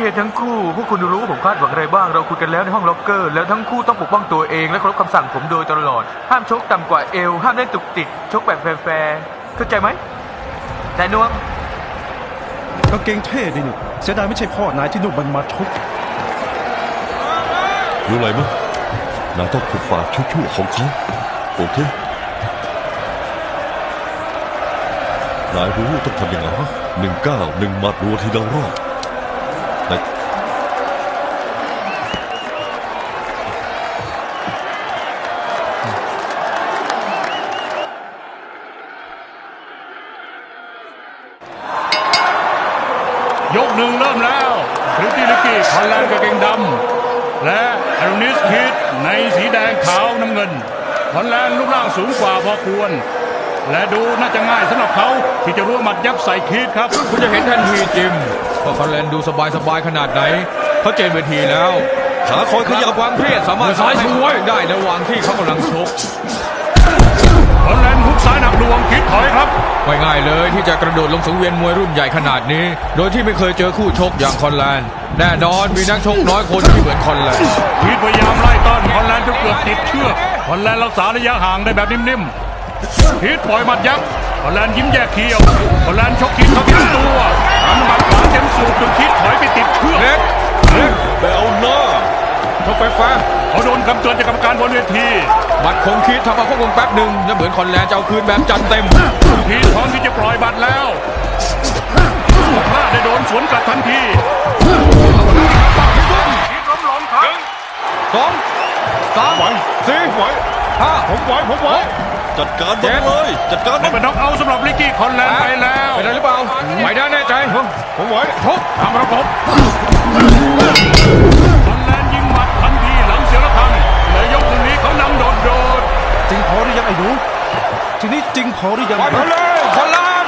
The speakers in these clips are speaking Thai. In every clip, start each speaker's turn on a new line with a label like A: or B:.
A: ทั้งคู่พวกคุณรู้ว่าผมคาดหวังอะไรบ้างเราคุยกันแล้วในห้องล็อกเกอร์แล้วทั้งคู่ต้องปกป้องตัวเองและเคารพคำสั่งผมโดยตลอดห้ามชกต่ำกว่าเอวห้ามเล่นตุกติกชกแบบแฟร์ๆเข้าใจไหมนายนวม
B: กางเกงเท่ดินี่เสียดายไม่ใช่พ่อนายที่นุ่มมันมาชก
C: รู้อะไรมั้ยนายต้องขุดปากชั่วๆของเขาโอเคนายรู้ต้องทำยังไง1-9-1 หมัดรัวทีละรอบ
D: ยกหนึ่งเริ่มแล้วคริสตี้ลิกกี้คอนแลนด์กางเกงดำและแอโรนิสคิดในสีแดงขาวน้ำเงินคอนแลนด์รูปร่างสูงกว่าพอควรและดูน่าจะง่ายสำหรับเขาที่จะรู้หมัดยับใส่คิดครับ
E: คุณจะเห็นทันทีจิมว่าคอนแลนด์ดูสบายขนาดไหนเขาเจนเวทีแล้ว
C: ขาคอยขยับ
E: ความเครียดสามารถซ้ายช่วยได้ในระหว่างที่เขากำลังชก
D: คอนแลนด์ฮุกซ้ายหนักหน่วงคิดถอยครับ
E: ไม่ง่ายเลยที่จะกระโดดลงสังเวียนมวยรุ่นใหญ่ขนาดนี้โดยที่ไม่เคยเจอคู่ชกอย่างคอนแลนด์แน่นอนมีนักชกน้อยคนที่เหมือนคอนแลนด์
D: คิดพยายามไล่ต้อนคอนแลนด์จนเกือบติดเชือกคอนแลนด์รักษาระยะห่างได้แบบนิ่มๆคิดปล่อยหมัดยับคอนแลนด์ยิ้มแยกเขี้ยวคอนแลนด์ชกคิดเข้าที่ตัวทำหมัดขวาเต็มสูบจนคิดถอยไปติดเชือก
E: เล็ก
C: ไปเอาหน้า
E: ชกไฟฟ้า
D: เขาโดนคำเตือนจากกรรมการบนเวที
E: บัตรคงคิดทำเอาควบคุมแป๊บหนึ่งแล้วเหมือนคอนแลนด์จะเอาคืนแบบจัดเต็ม
D: คิดพร้อมที่จะปล่อยบัตรแล้วพลาดได้โดนสวนกลับทันทีคิดล้มลงครับ
E: 2 3 4 5
B: ผมไหว
C: จัดการมันเลยจัดการมัน
D: เป็นน็อกเอาท์สำหรับลิกกี้คอนแลนด์ไปแล้ว
E: ไปได้หรือเปล่าไปได้แน่ใจ
B: ผมไหว
E: ทุบทำระบบ
D: คอนแลนด์ยิงหมัดทันทีหลังเสียงระฆังเลยยกนี้เขานำโดด
B: จริงพอหรือยังไอ้หนูทีนี้จริงพอหรือยัง
E: ไปเลยคอนแลนด์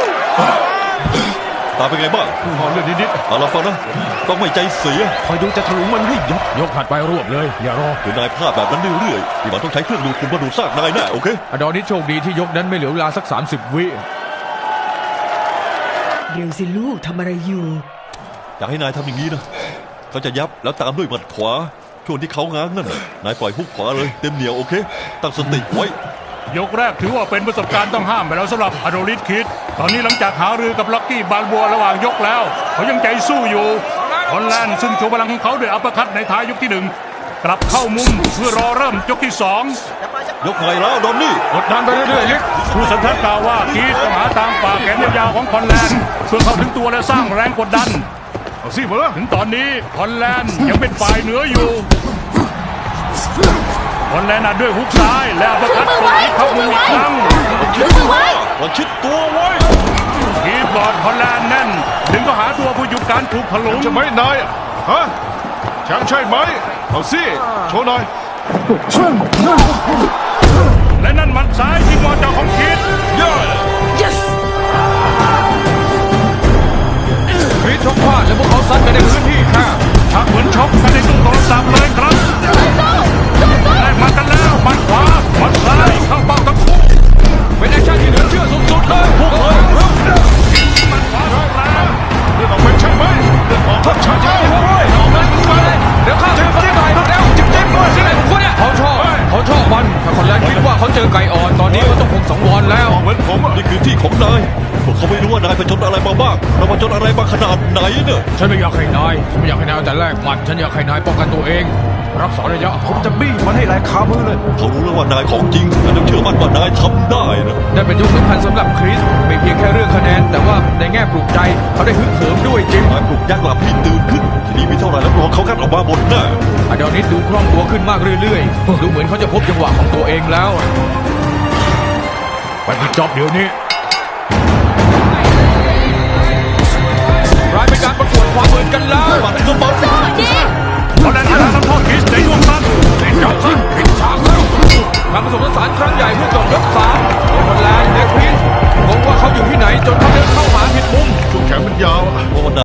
C: ตาเป็นไงบ้าง
B: พอเรื่องนิด
C: เอาละฟังนะต้องไม่ใจเสีย
B: คอยดูจะถลุงมันให้
E: ยกถัดไปรวบเลยอย่ารอ
C: คือนายพลาดแบบนั้นเรื่อยๆที่มันต้องใช้เครื่องดูดฝุ่นมาดูดซากนายแน่โอเค
E: อดอนิโชคดีที่ยกนั้นไม่เหลือเวลาสัก30 วิ
F: เร็วสิลูกทำอะไรอยู่
C: อยากให้นายทำอย่างนี้นะเขาจะยับแล้วตามด้วยหมัดขวาช่วงที่เขาง้างนั่นนายปล่อยฮุกขวาเลยเต็มเหนียวโอเคตั้งสติไว้
D: ยกแรกถือว่าเป็นประสบการณ์ต้องห้ามไปแล้วสำหรับอโดริสคิดตอนนี้หลังจากหารือกับล็อกกี้บาลบัวระหว่างยกแล้วเขายังใจสู้อยู่คอนแลนด์ซึ่งโชว์พลังของเขาด้วยอัปเปอร์คัตในท้ายยกที่1กลับเข้ามุมเพื่อรอเริ่มยกที่2
C: ยกไงแล้วดอนนี่
E: กดดันไปเรื่อยๆลิก
D: ผู้สัมภาษณ์กล่าวว่าคิดต้องหาทางฝ่าแขนยาวๆของคอนแลนด์เพื่อเข้าถึงตัวและสร้างแรงกดดัน
B: เอาสิมา
D: ถึงตอนนี้คอนแลนด์ยังเป็นฝ่ายเหนืออยู่คอนแลนด์ด้วยฮุกซ้ายและอัปเปอร์คัตตรงที่เข้ามืออีกครั้ง
C: ชิดตัวไว้
D: คีบอร์ดคอนแลนด์แน่นดึงก็หาตัวผู้หยุดการถูกถลุง
B: จะไม่นายฮะแชมป์ใช่ไหมเอาสิโชว์หน่อย
D: และนั่นหมัดซ้ายที่มอจอของคิด
F: yes
E: คิดชกพลาดแล้วพวกเขาซัดกันในพื้นที่ค่ะ
D: ชักเหมือนชกกันในตู้โทรศัพท์เลยครับได้มากันแล้วหมัดขวาหมัดซ้ายเข้าเป้าทั้งคู่
E: เป็นแอคชั่นที่เหลือเชื่อสุดๆเลย
D: พุ่งเลยหมัดขวาเข้าแรง
B: เรื่องออกเป็นใช่ไหมทัดชัดเลยออกเป็นไป
E: เดี๋ยวข้าเจอคนไก่แล้วจิ๊บด้วยสิไหนของคุณเนี่ยเขาชอบมันถ้าคนแรกคิดว่าเขาเจอไก่อ่อนตอนนี้เขาต้องคงสังวรแล้ว
C: เหมือนผมนี่คือที่ของนายพวกเขาไม่รู้ว่านายไปชนอะไรมาบ้างเรามาชนอะไรมาขนาดไหนเนี่ย
E: ฉันไม่อยากให้นายแต่แรกหมัดฉันอยากให้นายป้องกันตัวเองรักษาระยะ
B: ผมจะบี้มันให้แรงคามือเลย
C: เขารู้แล้วว่านายของจริงแต่ต้องเชื่อมั่นว่านายทำได้นะ
E: นั่นเป็นยุคสำคัญสำหรับคริสไม่เพียงแค่เรื่องคะแนนแต่ว่าในแง่ปลุกใจเขาได้ฮึกเหิมด้วยจริง
C: นายปลุกยักษ์หลับพี่ตื่นขึ้นทีนี้มีเท่าไหร่แล้วรอเขากันออกมาหมดแน่
E: อดอนิสดูคล่องตัวขึ้นมากเรื่อยๆดูเหมือนเขาจะพบจังหวะของตัวเองแล้วไปปิดจ็อบเดี๋ยวนี้